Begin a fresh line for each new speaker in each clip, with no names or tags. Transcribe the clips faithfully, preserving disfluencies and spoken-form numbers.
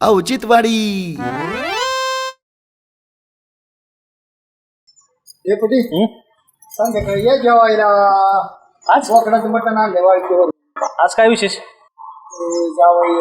औचित्यवाडी.
कुठे संध्याकाळी या जेवायला. आज बोकडाचं मटण आणले वाळकीवर.
आज काय विशेष?
जावई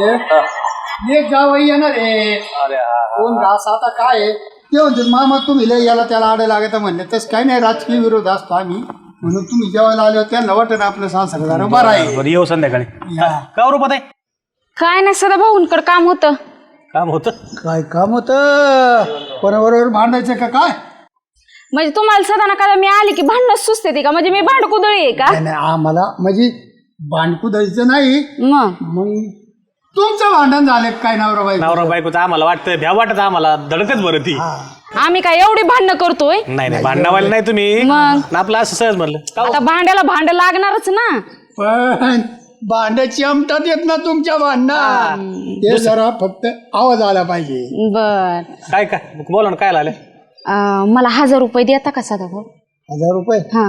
यायचे. एक जावई येणार आहे. कोण घास आता काय आहे ते म्हणते मामा तुम्ही लय याला त्याला आडे लागत म्हणले तसं काही नाही. राजकीय विरोध असतो आम्ही म्हणून तुम्ही जेवायला आले त्यांना वाटत आपलं संसार बरं आहे.
येऊ संध्याकाळी. का रूपात आहे?
काय नाही सदा भाऊंकडे काम होतं.
काम होतं?
काय काम होतं? कोणाबरोबर भांडायचं का काय?
म्हणजे तुम्हाला सदा ना का मी आली की भांडण सुचते ती का? म्हणजे मी भांडकुदळी आहे का?
नाही आम्हाला म्हणजे भांडकुदळीचं नाही.
मग
मग तुमचं भांडण झालं काय नवरा बायको?
नवरा बायकोचं आम्हाला वाटतं भ्या वाटत आम्हाला धडकच बरं ती.
आम्ही काय एवढी भांडणं करतोय?
नाही नाही भांडणावाले नाही तुम्ही.
मग
आपलं असं सहज म्हणलं.
आता भांड्याला भांड लागणारच ना.
पण भांड्याची आमटात येत ना तुमच्या भांडणात. ते जरा फक्त आवाज आला पाहिजे.
बर
काय काय बोला ना काय आलं?
मला हजार रुपये देता का सदा भाऊ?
हजार रुपये?
हा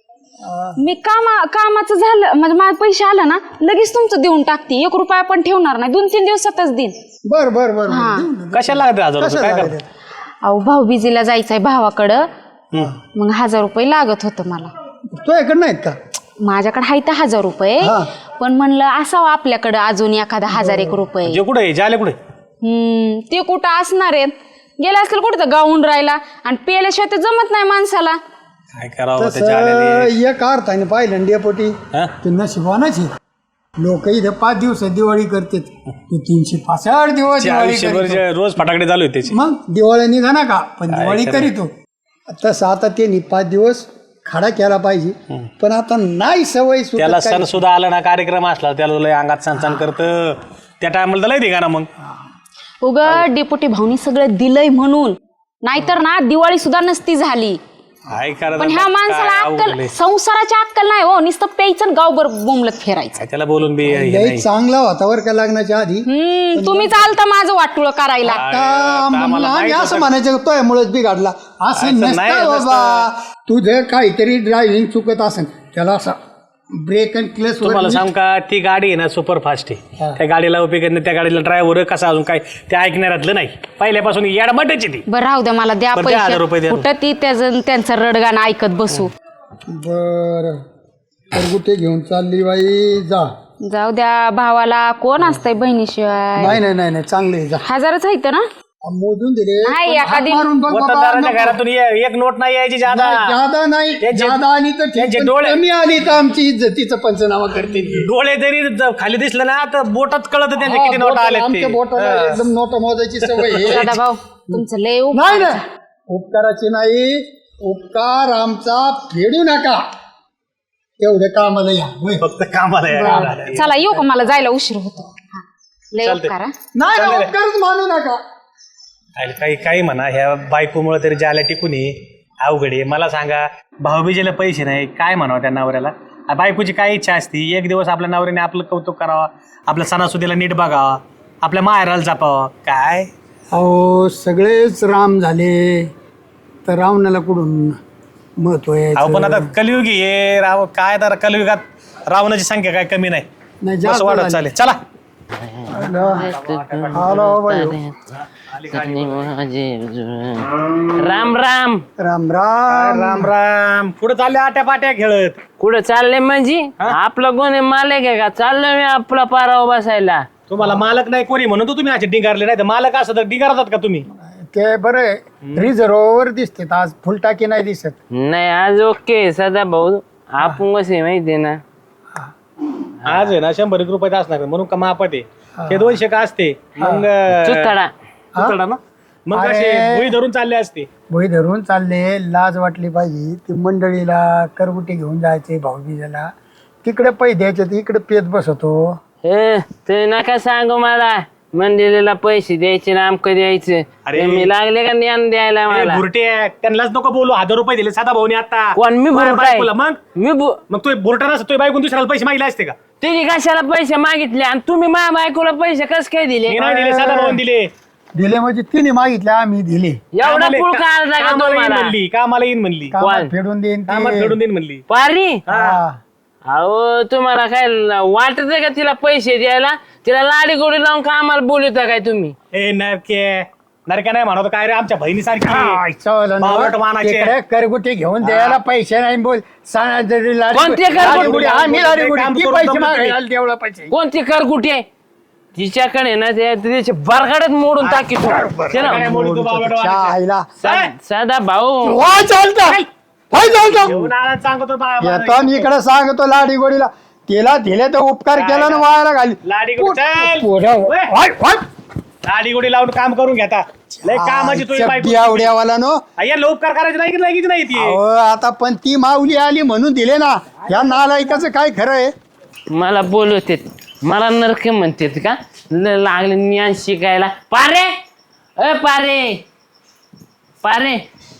मी कामा कामाचं झालं म्हणजे मला पैसे आलं ना लगेच तुमचं देऊन टाकते. एक रुपया पण ठेवणार नाही. दोन तीन दिवसातच देईन.
बर बर बर.
कशाला लागते हजार रुपये? काय करते?
अहो भाऊ बिजीला जायचंय भावाकडं. मग हजार रुपये लागत होतं मला.
तुझ्याकडे नाहीत का?
माझ्याकडे आहे तर हजार रुपये. पण म्हणलं असावं आपल्याकडं अजून एखादा हजार एक रुपये.
जे कुठे जाले कुठे?
हम्म ते कुठं असणार आहेत? गेले असतील कुठं तर गाऊन राहिला आणि पेल्याशिवाय ते जमत नाही माणसाला.
काय करावं?
एक अर्थ पाहिलं डेपोटी ते नशिबानाच आहे. लोक इथे पाच दिवस दिवाळी करतात. तू तीनशे पासष्ट दिवस
रोज फटाकडे चालू आहे त्याची.
मग दिवाळी निघा ना का पण दिवाळी करीतो. तसं आता त्यांनी पाच दिवस खाडा केला पाहिजे. पण आता नाही सवय.
त्याला सण सुद्धा आला ना कार्यक्रम असला त्याला लय अंगात सण सण करत त्या टायमाला लय दिगा ना. मग
उग डेपुटी भाऊनी सगळं दिलंय म्हणून. नाहीतर ना दिवाळी सुद्धा नसती झाली. पण ह्या माणसाला अक्कल संसाराची अक्कल नाही हो. नुसतं प्यायचं गावभर बोंबलत फिरायचं.
त्याला बोलून बी
चांगला होता वर का लग्नाच्या आधी.
हम्म तुम्ही चालता माझं वाटुळ करायला.
आम्ही असं म्हणायचं तो मुळेच बिघडला असं नसतं बाबा. तुझं काहीतरी ड्रायव्हिंग चुकत असेल त्याला असा ब्रेक अँड क्लच.
तुम्हाला सांग का ती गाडी आहे ना सुपर फास्ट आहे. त्या गाडीला उपयोग नाही. त्या गाडीला ड्रायव्हर कसा अजून काय ते ऐकणारातलं नाही. पहिल्यापासून येडबटायची ती.
बरं राहू द्या मला द्या पैसे. कुठं ती त्यांचं रडगाणं ऐकत बसू.
बर कुठे घेऊन चालली बाई? जा
जाऊ द्या भावाला कोण असतंय बहिणीशिवाय.
नाही नाही नाही नाही चांगले जा.
हजारच आहेत ना
मोजून दिले.
वतनदाराच्या घरातून एक नोट नाही यायची जादा.
जादा नाही जादा आली तर कमी आली तर आमची इज्जतीचा पंचनामा करते.
डोळे जरी खाली दिसले ना तर बोटात कळत त्यांच्या किती नोट आले.
एकदम नोट मोजायची सवय.
भाऊ तुमचं लय
नाही ना उपकाराची नाही. उपकार आमचा फेडू नका. एवढे कामाला या.
फक्त कामाला.
चला येऊ का? मला जायला उशीर होतो. लय उपकार.
नाही उपकारच मानू नका.
काही काही म्हणा ह्या बायकोमुळे तरी ज्याला टिकून ये अवघड आहे. मला सांगा भाऊबीजेला पैसे नाही काय म्हणावं त्या नवऱ्याला? बायकोची काय इच्छा असती? एक दिवस आपल्या नवऱ्याने आपलं कौतुक करावं. आपल्या सणासुदीला नीट बघावा. आपल्या माहेराला जपावं. काय
अहो सगळेच राम झाले तर रावणाला कुठून महत्व आहे?
अहो पण आता कलियुगी आहे राव. काय तर कलियुगात रावणाची संख्या काय कमी नाही. जास्त वाढत चालेल. चला
राम राम
राम राम
राम राम. पुढे चालले आट्या पाट्या खेळत.
कुठं चाललंय म्हणजे? आपलं कोणी मालक आहे का? चाललोय मी आपला पारावर बसायला.
तुम्हाला मालक नाही कोणी म्हणून तर तुम्ही असे डिंगारले नाही तर मालक असं तर डिंगारतात का तुम्ही?
ते बरं रिझर्वर दिसते आज फुलटाकी नाही दिसत.
नाही आज ओके सदा भाऊ. आपण कसे माहितीये ना
आज आहे ना शंभर एक रुपयात असणार म्हणून का मापात आहे. ते दोनशे का असते मग
चुतडा
चुतडा ना. मग असे भुई धरून चालले असते.
भुई धरून चालले. लाज वाटली पाहिजे. ती मंडळीला करगुटी घेऊन जायचे भाऊबीजेला. तिकडे पैसे द्यायचे इकडे पेत बसतो.
हे ते नका सांगू मला. मंदिराला पैसे द्यायचे ना आमक द्यायचे.
अरे
मी लागले का ज्ञान द्यायला मला?
बुरटे त्यांनाच नको बोलू. हजार रुपये दिले साधा भाऊनी आता.
कोण मी बुरटाय?
मग
मी
मग तो बुरटा नसतो तो बायकून दुसऱ्याला पैसे मागितले असते का?
तिने कशाला पैसे मागितले आणि तुम्ही माझ्या बायकोला पैसे कस काय दिले?
मी नाही दिले साधा भाऊन दिले.
दिले म्हणजे तिने मागितले आम्ही दिले.
एवढा पुळ काढला का
कामाला येईन
तुम्हाला?
म्हणली. कामाला येईन म्हणली.
कामात फेडून देईन
कामात फेडून देईन म्हणली.
पारी
हा.
अहो तुम्हाला काय वाटत का तिला पैसे द्यायला? तिला लाडी गोडी लावून का आम्हाला बोलवता काय तुम्ही?
ए नरके नरके नाही म्हणतो काय रे, आमच्या बहिणीसारखी
काय चल
बावळट मानाचे.
तिकडे करगुटी घेऊन द्यायला पैसे नाही बोल सांगा जरी लाडी-
कोणते करगुटी?
लाडीगुडी, आम्ही लाडीगुडी,
काम
ती
करून
पैसे
दमलो
मागायला
तुम्ही.
तेवढं पैसे
कोणती कर कुठे तिच्याकडे ना ते तिचे बरगाड्यात मोडून टाकी
काय मोडी तू बावळट
चहा
मानाचे.
आईला.
साधा भाऊ
वा चालतं होय चालतं
घेऊन आला सांगतो बा-
येतो आणि इकडे सांगतो लाडी गोडीला तिला दिले तर उपकार केला ना वायाला घाली
लाडी गोडी चल.
पोरं,
ओय.
होय, होय.
लाडी गोडी लावून काम करून घेता लय कामाची तुझी बायको.
बियावड्यावाला नो
याला उपकार करायचे नाही की लगेच नाही ती.
अहो, आता पण ती माऊली आली म्हणून दिले ना या नालायकाचं काय खरं आहे
मला बोलवते मला नरके म्हणते का ल- लागले ज्ञान शिकायला. पारे अ पारे पारे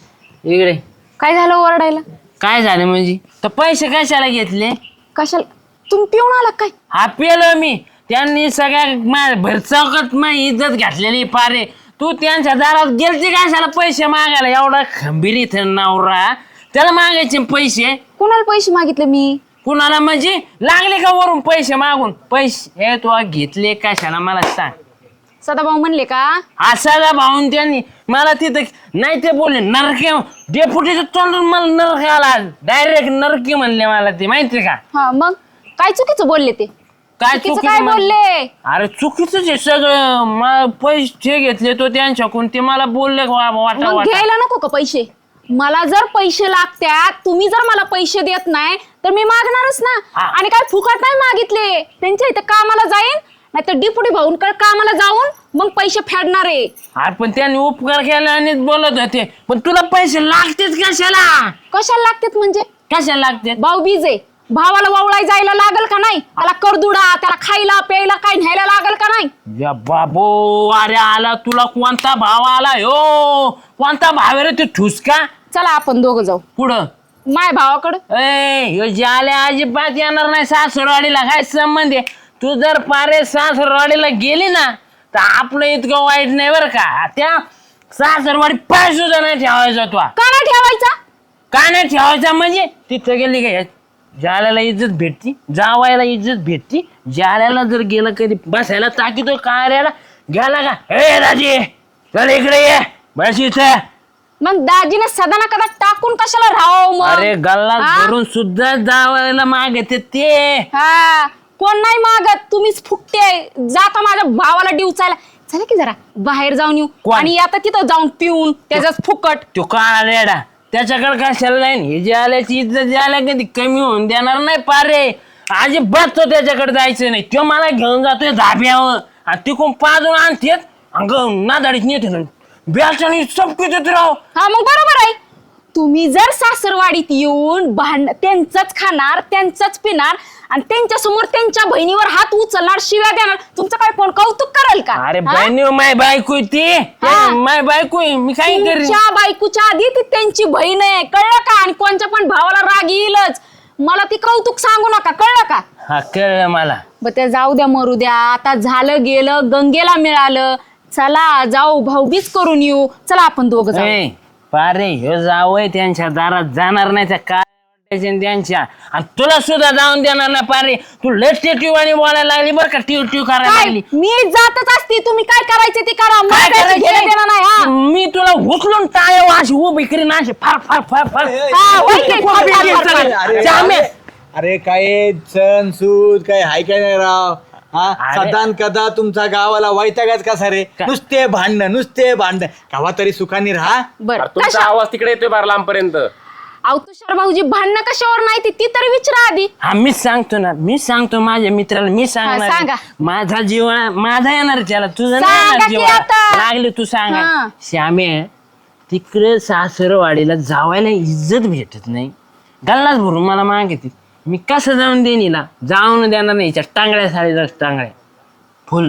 इकडे
काय झालं ओरडायला?
काय झालं म्हणजे? तर पैसे कशाला घेतले?
कशाला तुम्ही पिऊन आला काय?
हा पेलो मी. त्यांनी सगळ्या मा- भरचौकात माझी इज्जत घातलेली. पारे तू त्यांच्या दारात गेलती कशाला पैसे मागायला? एवढा खंबीर इथं नवरा त्याला मागायचे पैसे?
कोणाला पैसे मागितले मी?
कुणाला म्हणजे? लागले का वरून पैसे मागून? पैसे हे तू घेतले कशाला मला सांग.
सदाभाऊ म्हणले का?
असाला भाऊन त्यांनी मला तिथं नाही ते बोलले नरके डेपुटीचं तोंडून मला नरके आला. डायरेक्ट नरके म्हणले मला ते माहिती का?
हा मग काय चुकीचं बोलले ते?
काय
चुकीचं
चुकीचं
काय
म्हण-
बोलले?
अरे चुकीच आहे सगळं. मला पैसे घेतले तो त्यांच्याकडून ते मला बोलले वा- वाटा
मग
वाटा.
घ्यायला नको का पैसे? मला जर पैसे लागतात तुम्ही जर मला पैसे देत नाही तर मी मागणारच ना.
हा.
आणि काय फुकट नाही मागितले. त्यांच्या इथं कामाला जाईन नाही तर डिपुटी भाऊंकडे कामाला जाऊन मग पैसे फेडणार आहे.
अरे पण त्यांनी उपकार केला आणि बोलत होते पण तुला पैसे लागतेच कशाला?
कशाला लागतात म्हणजे?
कशाला लागते?
भाऊ बीज आहे. भावाला वावळाय जायला लागल का नाही? त्याला करदुडा त्याला खायला प्यायला काय न्यायला लागल का नाही?
या बाबो अरे आला तुला कोणता भाव आला हो? कोणता भाव आहे रे ते ठुसका?
चला आपण दोघं जाऊ
पुढं
माय भावाकडं.
ए ह्यो जाल्या अजिबात येणार नाही सासरवाडीला. काय संबंध आहे? तू जर पारे सासरवाडीला गेली ना तर आपलं इतकं वाईट नाही बरं का. त्या सासरवाडी पाय सुद्धा नाही ठेवायचा तो.
का नाही ठेवायचा?
का नाही ठेवायचा म्हणजे? तिथं गेली का जाल्याला इज्जत भेटती, जावायला इज्जत भेटती. जाल्याला जर गेलं कधी बसायला ताकीतो कार्याला गेला का ए राजे चल इकडे ये बस इथं.
मग दाजीने सदा ना कदा टाकून कशाला राहावं मग?
अरे गल्ला
हा?
धरून सुद्धा जावायला मागते ते.
हा कोण नाही मागत तुम्हीच फुकते. जाता माझ्या भावाला डिवचायला. चला की जरा बाहेर जाऊन येऊ.
कोण?
आणि आता तिथं जाऊन पिऊन त्याचाच फुकट.
तो काळा रेडा त्याच्याकडे कशाला नाही? हे जे आल्याची इज्जत जे आल्या कधी कमी होऊन देणार नाही पारे. अजिबात तो त्याच्याकडे जायचं नाही. तो मला घेऊन जातोय धाब्यावर आणि तिकून पाजून आणतेत अंग नादाडीत नेते ना ब्याचानी चपकीत येत राव.
हा मग बरोबर आहे. तुम्ही जर सासरवाडीत येऊन भांड त्यांचंच खाणार त्यांचंच पिणार आणि त्यांच्या समोर त्यांच्या बहिणीवर हात उचलणार शिव्या देणार तुमचं काय कोण कौतुक करेल का?
अरे
हा?
बहिणी माय बायको आहे ती.
हा.
माय बायको आहे, मी काय करीन?
तुमच्या बायकोच्या आधी ती त्यांची बहीण आहे कळलं का? आणि कोणच्या पण भावाला राग येईलच. मला ती कौतुक सांगू नका कळलं का?
हा कळलं मला.
ब ते जाऊ द्या मरू द्या. आता झालं गेलं गंगेला मिळालं. चला जाऊ भाऊबीज करून येऊ. चला आपण दोघं जाऊ.
ए, पारे ह्यो जावय त्यांच्या दारात जाणार नाही त्या काय वाटायचे त्यांच्या आणि तुला सुद्धा जाऊन देणार नाही पारे. तू लेट टिव आणि बोलायला लागली बरं का टिव टिव करायला
काय
लागली.
मी जातच असते. तुम्ही काय करायचे ते करा. मला
काय
त्याचं घेणं देणं नाही. हा.
करायचं? मी तुला उचलून टाळ्या अशी उभी करीन अशी फार फार फार फार.
हा, होय की? फार, फार, फार, फार.
अरे
जामे.
अरे काय सण सूद काय हाय काय नाही राव. हा
अरे.
सदान कदा तुमचा गावाला वैतागच कसा रे?
का-
नुसते भांडणं नुसते भांडणं. गावा तरी सुखाने राहा.
बरं
तुमचा
कशा
आवाज तिकडे येतोय बार लांबपर्यंत.
अहो तुषार भाऊजी भांडणं कशावर नाही ती ती तरी विचारा आधी.
हा मीच सांगतो ना मी सांगतो माझ्या मित्राला मी
हा,
सांगणार
सांगा.
माझा जीव माझा येणार त्याला तुझं नाही
सांगा
येणार
की
जीव.
आता.
लागले तू सांग
हा.
श्यामे तिकडे सासरवाडीला जावायला इज्जत भेटत नाही. गल्लाच भरून मला मागितली मी कसं जाऊन देईन हिला? जाऊन देणार नाही. हिच्या टांगड्या साडीच्या टांगड्या फुल.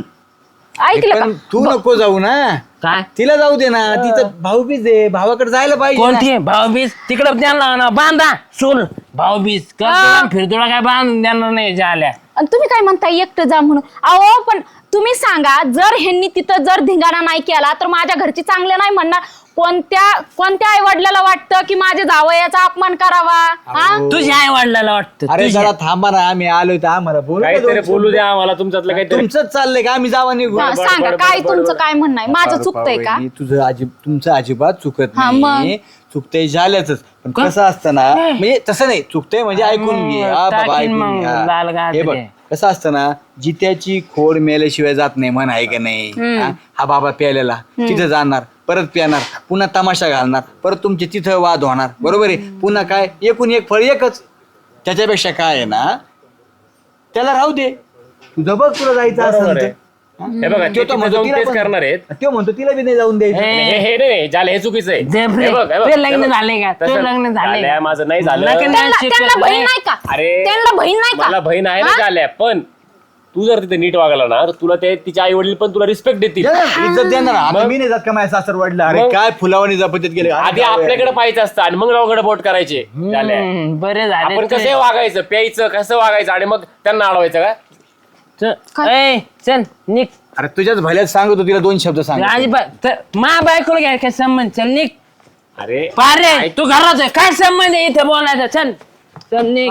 ऐकलं का?
पण तू नको जाऊ ना.
काय
तिला जाऊ दे ना. तिचं भाऊबीज आहे भावाकडे जायला पाहिजे ना.
कोणती भाऊबीज? तिकडं त्यांना ना बांधा चूल भाऊबीज
हा.
करतो फिरतोडा काय बांधून देणार नाही झाल्या.
आणि तुम्ही काय म्हणताय एकटं जा म्हणून? अहो पण तुम्ही सांगा जर ह्यांनी तिथं जर धिंगाणा नाही केला तर माझ्या घरची चांगले नाही म्हणणार. कोणत्या कोणत्या आई वडिलाला वाटतं की माझ्या जावयाचा अपमान करावा हा
तुझ्या आई वडिलाला वाटतं
अरे
तुझ्या.
जरा थांबा ना, आम्ही आलोय तर आम्हाला बोलू का
काहीतरी
दोन
बोलू
शब्द?
द्या आम्हाला तुमच्यातलं काहीतरी.
तुमचंच चाललंय का आम्ही जावा निघू?
हा, सांगा काय तुमचं काय म्हणणं आहे माझं चुकतंय का
वहिनी, तुझं अजिब तुमचं अजिबात चुकत
हा,
नाही. चुकतंय झाल्याच पण कसं असतं ना, म्हणजे तसं नाही चुकतंय म्हणजे ऐकून घे. हा बाबा
टाकीन
ऐकून
मग
घे. हा.
लाल गाठ
हे बघ
ते.
कसं असतं ना, जित्याची खोड मेल्याशिवाय जात नाही म्हण आहे का नाही. हा? हा बाबा प्यालेला तिथं जाणार, परत प्याणार, पुन्हा तमाशा घालणार, परत तुमचे तिथं वाद होणार, बरोबर आहे. पुन्हा काय एकूण एक फळ एकच. त्याच्यापेक्षा काय आहे ना, त्याला राहू दे, तुझं बघ तुला जायचं
बरोबर
असेल
आहे.
तर.
हे बघा ते
तो
तिथे
म्हणतो
जाऊन
तिला
तेच
पण-
करणार आहेत.
तो म्हणतो तिला बी नाही जाऊन द्यायचं.
हे,
हे हे नाही झालं, हे चुकीचं आहे.
दे
हे
रे.
बघ, हे बघ,
ते
हे
लग्न
बघ.
झाले का ते
तसं
लग्न झाले
झालंय, माझं नाही झालं.
लग्न
त्यांना
शिकत
त्यांना बहीण
नाही.
नाही का
अरे
त्यांना बहीण नाही का
मला बहीण आहे ना झाल्या, पण तू जर तिथे नीट वागला ना तर तुला ते तिचे आई वडील पण तुला रिस्पेक्ट देतील.
देणार, इज्जत देणार. आता मी नाही जात का माझ्या सासर वडला. अरे
मग?
काय फुलावानी जपतीत गेले.
आधी आपल्याकडे पाहायचं असतं आणि मग रावकडे बोट करायचे झाल्या.
हम्म, बरे झाले
आपण
ते.
कसं वागायचं, प्यायचं, कसं वागायचं आणि मग त्यांना अडवायचं का?
चल, ए, चल निक
अरे तुझ्याच भल्यात सांगतो तिला दोन शब्द सांग.
अजिबात मा बायकोला घ्या काय संबंध चल निक
अरे
पारे तू घरात आहे काय संबंध आहे इथे बोलायचा चल चल निक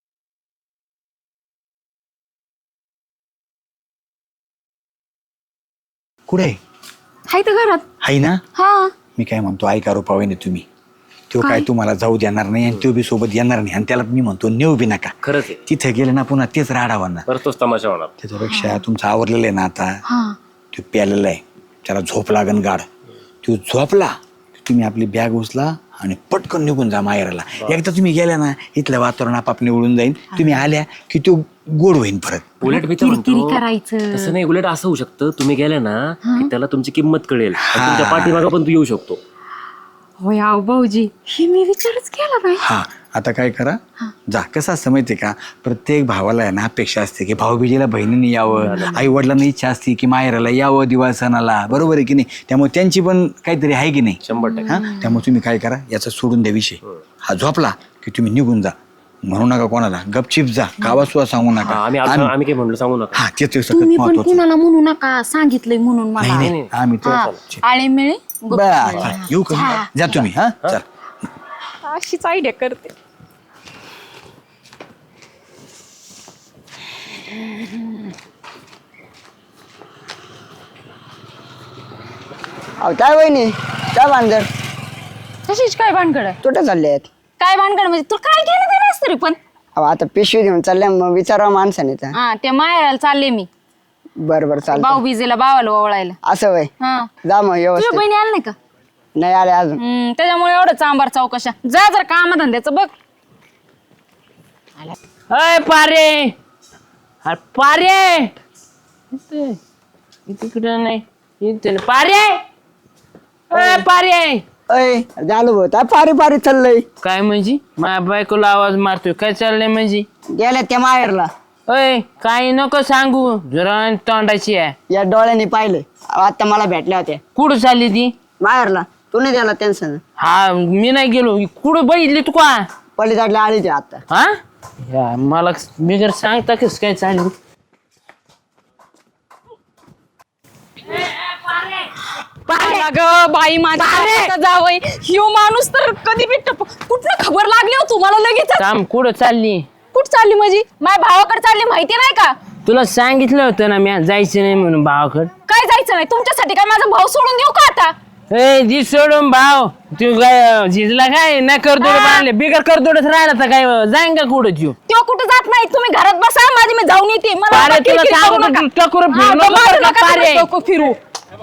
कुठे
हाय तर घरात
हाय ना?
हा
मी काय म्हणतो, ऐका रुपावहिनी तुम्ही, तो काय तुम्हाला जाऊ देणार नाही आणि तो बी सोबत येणार नाही आणि त्याला मी म्हणतो नेऊ बी नका.
खरंच आहे,
तिथे गेले ना पुन्हा तेच राडावं ना.
परत तोच तमाशा होणार.
त्याच्यापेक्षा तुमचं आवरलेलं आहे ना आता,
हा
तो प्यालेला आहे, त्याला झोप लागन गाड. तो झोपला की तुम्ही आपली बॅग उचला आणि पटकन निघून जा माहेराला. एकदा तुम्ही गेल्या ना इथलं वातावरण आपाप निवडून जाईल. तुम्ही आल्या की तो गोड होईन परत.
उलट मी तर
किरकिरी
म्हणतो
करायचं
तसं नाही, उलट असं होऊ शकतं तुम्ही गेल्या ना की त्याला तुमची किंमत कळेल आणि तुमच्या पाठीमागं पण तू येऊ शकतो.
होय अहो भाऊजी हे मी विचारच केला नाही
हा आता काय करा, जा. कसं असतं माहितीये का, प्रत्येक भावाला आहे ना अपेक्षा असते की भाऊबीजेला बहिणीने यावं, आई वडिलांना इच्छा असते की माहेराला यावं दिवाळ सणाला, बरोबर आहे की नाही. त्यामुळे त्यांची पण काहीतरी आहे की नाही.
शंभर टक्के.
हा त्यामुळे तुम्ही काय करा, याचा सोडून द्या विषय. हा झोपला की तुम्ही निघून जा, म्हणू नका कोणाला, गपचिप जा, गावात सुद्धा सांगू नका.
हा, आम्ही आम्ही आम्ही काय म्हणलो सांगू नका.
हा तेच सगळ्यात
तुम्ही पण
महत्वाचं.
कुणाला म्हणू नका सांगितलंय म्हणून मला
नाही नाही आम्ही तो
हा, आळे मिळे
बरं, चल, येऊ का जा तुम्ही. हा चल.
अशीच आयडिया करते
अहो काय वहिनी काय भानगड
तशीच काय भानगड आहे?
कुठे चालले आहेत
काय भानगड म्हणजे तू काय केलं ते नसतं तरी पण
अहो आता पिशवी घेऊन चालल्या मग विचारा माणसाने तर
हा त्या माहेराला चालले मी
बरं बरं चालतं
भाऊ बीजेला भावाला ओवळायला
असं वय
हा
जा मग
तुझ्या
व्यवस्थित
बहिणी आल्या नाही का
नाही आले अजून
हम्म, त्याच्यामुळे एवढं चांबार चौकशा जा जर कामधंद्याचं बघ
अय पारे अरे पारे इथे तिकडं नाही इथे नाही. पारे अय पारे
अय झालं भाऊ काय पारी पारी चाललंय
काय म्हणजे माझ्या बायकोला आवाज मारतोय काय चाललंय म्हणजे
गेल्या त्या माहेरला
अय काही नको सांगू जरा तोंडाची आहे
या डोळ्यांनी पाहिले आता मला भेटल्या होत्या
कुठं चालली ती
माहेरला तू नाही द्याला टेन्शन
हा मी नाही गेलो कुठं बघितली तू का
पलीकडल्या आलीच आता
हा या, मला मी जर सांगता कस काय चालू
पाहिला ग बाई माझ्या जावई ह्यो माणूस तर कधी बी टप कुठलं खबर लागली हो तुम्हाला लगेच
काम कुठं चालली
कुठ चालली माझी माझ्या भावाकडे चालली माहिती नाही का
तुला सांगितलं होतं ना मी जायचं नाही म्हणून भावाकड
काय जायचं नाही तुमच्यासाठी काय माझा भाऊ सोडून देऊ का आता
ए जी सोडून भाव तू काय झिजला काय नाही करतोड बांधले बिगर करतोडच राहिला तर काय जाईन का कुठं तू
तो कुठं जात नाही तुम्ही घरात बसा माझी मी जाऊन येते मला
पारे,
आता
तुला
किरकिर करू
सांगतो,
नका.
तू टकोरं फिरू
हा,
नको
माझं
बरं का,
नका
पारे.
तुम्ही डोकं फिरू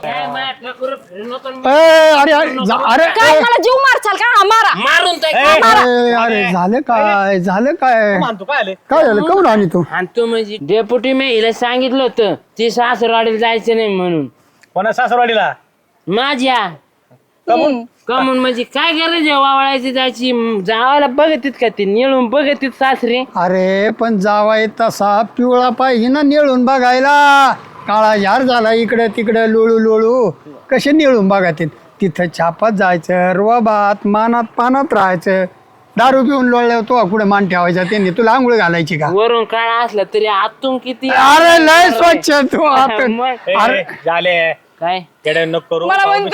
अरे अरे जा- अरे
काय मला जीव मारचाल का हा, मारा
मारून
अरे अरे झालं काय झालं काय
मानतो काय आले
काय झालं कमून आणि तू
तो म्हणजे डेप्युटी मी हिला सांगितलं होतं ती सासरवाडीला जायचं नाही म्हणून
कोणा सासरवाडीला
माझ्या कमून म्हणजे काय करायचं वावळायची जायची जावायला बघतीत का ते निळून बघतीत सासरे
अरे पण जावाय तसा पिवळा पाहिजे ना निळून बघायला काळा यार झाला इकडे तिकडे लोळू लोळू कसे निळून बघातील तिथं छापात जायचं रोबात मानात पानात राहायचं दारू पिऊन लोळल्यावर तो कुठे मान ठेवायचा त्यांनी तुला आंघोळ घालायची का
वरून काळा असला तरी आतून किती
अरे लय स्वच्छ तू आता
मग
अरे
झाले
काय
केडे नको करू
मला म्हणतात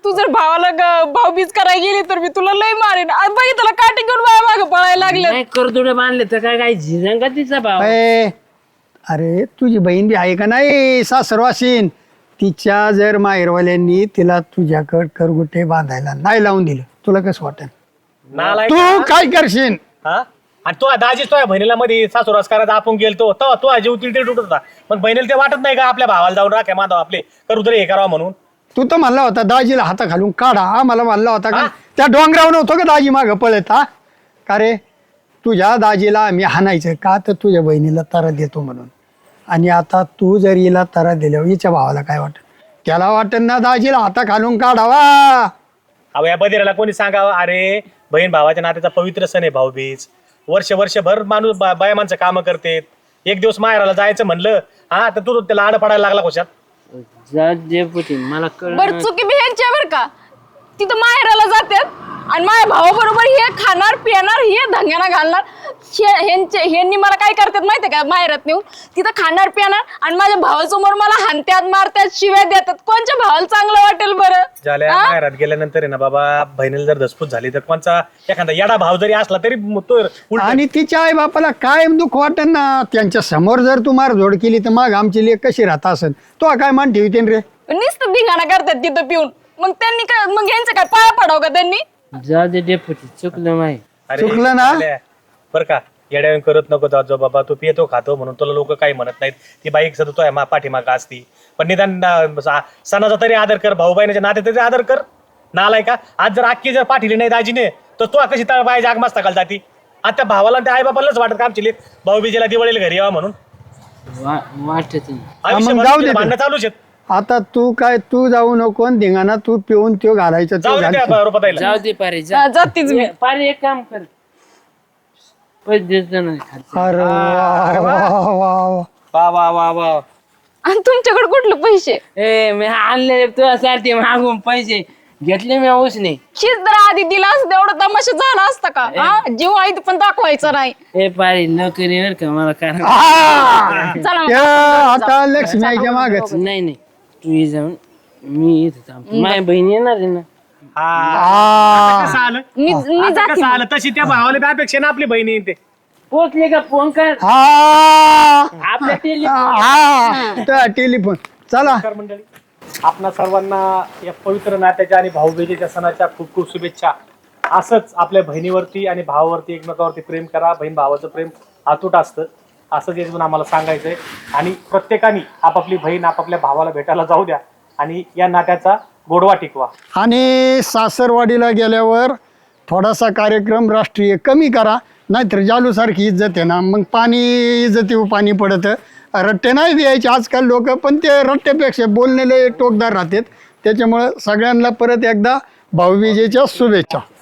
तू जर भावाला ग- भाऊबीज करायला गेली तर मी तुला लय मारेन. आज बघितलं काठी घेऊन माझ्या मागे पळायला लागले.
नाही करदुडे बांधले तर काय काय झिजंग का तिचा भाव
अय, अरे तुझी बहीण बी आहे का नाही सासरवासीन, तिच्या जर माहेरवाल्यांनी तिला तुझ्याकड करगुटे बांधायला नाही लावून दिलं, तुला कसं वाटेल?
नालायक
तू काय करशील?
हा आणि तो दाजी तो बहिणीला मध्ये सासूरास करायचा आपण गेलतो तो तो जीव तिथे तुटत होता. पण बहिणीला ते वाटत नाही का आपल्या भावाला जाऊन राख्या माधव आपले करू तरी हे करावं म्हणून.
तू तर म्हणला होता दाजीला हाता घालून काढा, हा मला म्हणला होता का त्या डोंगरावर नव्हतं का दाजी मागं पळत? हा का रे, तुझ्या दाजीला आम्ही हाणायचं का तर तुझ्या बहिणीला तारा देतो म्हणून. आणि आता तू जर हिला तारा दिल्यावर हिच्या भावाला काय वाटत? त्याला वाटत ना दाजीला हाता घालून काढावा.
अहो या बदिराला कोणी सांगावं अरे बहीण भावाच्या नात्याचा पवित्र सण आहे भाऊबीज. वर्ष वर्षभर माणूस बा- बाया माणसं कामं करते. एक दिवस माहेराला जायचं म्हणलं हा तर तू त्याला आड पडायला लागला कशात?
जा डेपुटी मला कळ
बर चुकी बी ह्यांच्यावर का? तिथं माहेराला जातात आणि माझ्या भावाबरोबर हे खाणार पिणार हे धंग्याना घालणार. हे- ह्यांचे ह्यांनी मला काय करतात माहितीये का? माहेरात नेऊन तिथं खाणार पिणार आणि माझ्या भावासमोर मला हाणत्यात मारत्यात शिव्या देतात. कोणच्या भावाला चांगलं वाटेल बरं?
झाल्या
हा?
माहेरात गेल्यानंतर आहे ना बाबा बहिणीला जर धसपूस झाली तर कोणचा एखादा येडा भाव जरी असला तरी तो उलटा-
आणि तिच्या आई बापाला काय दुःख वाटत ना, त्यांच्या समोर जर तू मारझोड केली तर मग आमची लेक कशी राहत असेल? तो काय मान ठेवते रे?
नुसतं धिंगाणा करतात तिथं पिऊन. मग त्यांनी काय मग यांचं काय पाया पडाव का त्यांनी?
जा दे डेपुटी चुकलं माही
अरे,
चुकलं ना?
झाल्या. बरं का येड्यावून करत नको जात जो बाबा तू पितो खातो म्हणून तुला लोक काही म्हणत नाहीत. ती बाईक सतत तो मा पाठीमागा असती पण निदान अं, सा- सणाचा तरी आदर कर, भाऊ बहिणीच्या नाते तरी आदर कर. नालाय का आज जर आखी जर पाठीली नाही दाजीने तर तू कशी तळ बाय जाग मस्त घाल जाती. आता भावाला त्या आई बाबालाच वाटत का आमची लेक भाऊ बीजेला दिवाळीला घरी यावं म्हणून.
वाटत नाही.
आयुष्यभर
जाऊ दे
तुझे
ते.
भांडणं चालूच आहेत.
आता तू काय तू जाऊ नको आणि धिंगाणा तू पिऊन त्यो घालायचं तो
जाऊ दे
घालशील.
त्या रुपयाला.
जाऊ दे पारे जा
हा, जातीच मी.
ए, पारे एक काम कर पैसे देतो नाही खात
अरे वा, वा, वा, वा.
वा वा वा वा
आणि तुमच्याकडे कुठले पैसे?
ए मी आणले तुझ्यासाठी मागून पैसे घेतले मी उसने.
शीच जर आधी दिला असतं एवढा तमाशा झाला असता का? हा? जीव आहे ते पण दाखवायचं नाही.
ए पारे नोकरी वर का मला कारण
आ!
चला मग.
त्या आता लक्ष्मी आईच्या मागच.
नाही नाही तू ये जाऊन मी इथे थांबतो. माझ्या बहीण येणार आहे ना.
आ.
कसं आलं
मी मी
आता
जाते
कसं
मग.
आलं तशी त्या भावाला बी अपेक्षा ना आपली बहिणी येते.
पोचले का फोन कर
आ.
आपल्या टेली
आ. त्या टेलिफोन चला.
नमस्कार मंडळी, आपणा सर्वांना या पवित्र नात्याच्या आणि भाऊबीजेच्या सणाच्या खूप खूप शुभेच्छा. असंच आपल्या बहिणीवरती आणि भावावरती एकमेकावरती प्रेम करा. बहीण भावाचं प्रेम अतूट असतं असंच यातून आम्हाला सांगायचंय. आणि प्रत्येकाने आपापली बहीण आपापल्या भावाला भेटायला जाऊ द्या आणि या नात्याचा गोडवा टिकवा.
आणि सासरवाडीला गेल्यावर थोडासा कार्यक्रम राष्ट्रीय कमी करा, नाहीतर जालूसारखी इज्जत आहे ना, मग पाणी इज्जतीवर पाणी पडतं. रट्टे नाही द्यायचे आजकाल लोक, पण ते रट्ट्यापेक्षा बोललेले टोकदार राहतात. त्याच्यामुळं सगळ्यांना परत एकदा भाऊबीजेच्या शुभेच्छा.